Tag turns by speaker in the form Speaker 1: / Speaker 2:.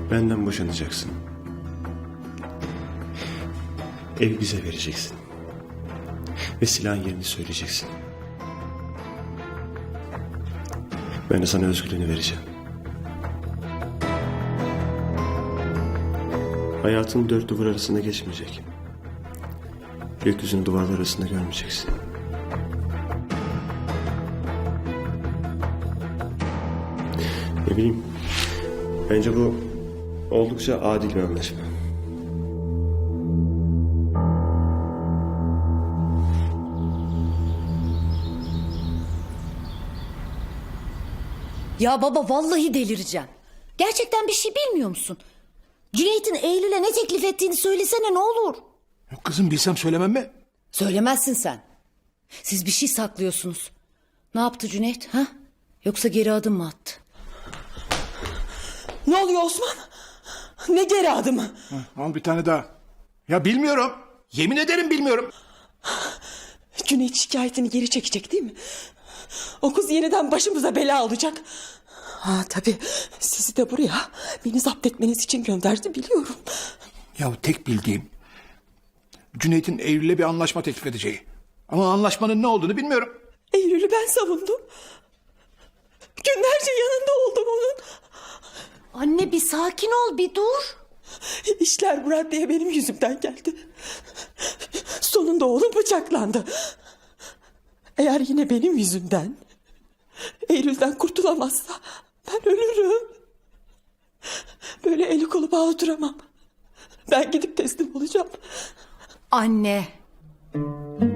Speaker 1: Benden boşanacaksın. Evi bize vereceksin. Ve silahın yerini söyleyeceksin. Ben de sana özgürlüğünü vereceğim. Hayatın dört duvar arasında geçmeyecek. Gökyüzünü duvarlar arasında görmeyeceksin. Ne bileyim. Bence bu oldukça adil bir anlaşma.
Speaker 2: Ya baba vallahi delireceğim. Gerçekten bir şey bilmiyor musun? Cüneyt'in Eylül'e ne teklif ettiğini söylesene ne olur.
Speaker 3: Yok kızım, bilsem söylemem mi?
Speaker 2: Söylemezsin sen. Siz bir şey saklıyorsunuz. Ne yaptı Cüneyt ha? Yoksa geri adım mı attı?
Speaker 4: Ne oluyor Osman? Ne geri adımı?
Speaker 3: Al bir tane daha. Ya bilmiyorum. Yemin ederim bilmiyorum.
Speaker 4: Cüneyt şikayetini geri çekecek değil mi? O kız yeniden başımıza bela olacak. Ha tabii sizi de buraya beni zapt etmeniz için gönderdi biliyorum.
Speaker 3: Ya tek bildiğim Cüneyt'in Eylül'le bir anlaşma teklif edeceği. Ama anlaşmanın ne olduğunu bilmiyorum.
Speaker 4: Eylül'ü ben savundum. Günlerce yanında oldum onun.
Speaker 2: Anne bir sakin ol bir dur.
Speaker 4: İşler bu raddeye benim yüzümden geldi. Sonunda oğlum bıçaklandı. Eğer yine benim yüzümden Eylül'den kurtulamazsa ben ölürüm. Böyle eli kolu bağlı duramam. Ben gidip teslim olacağım.
Speaker 2: Anne.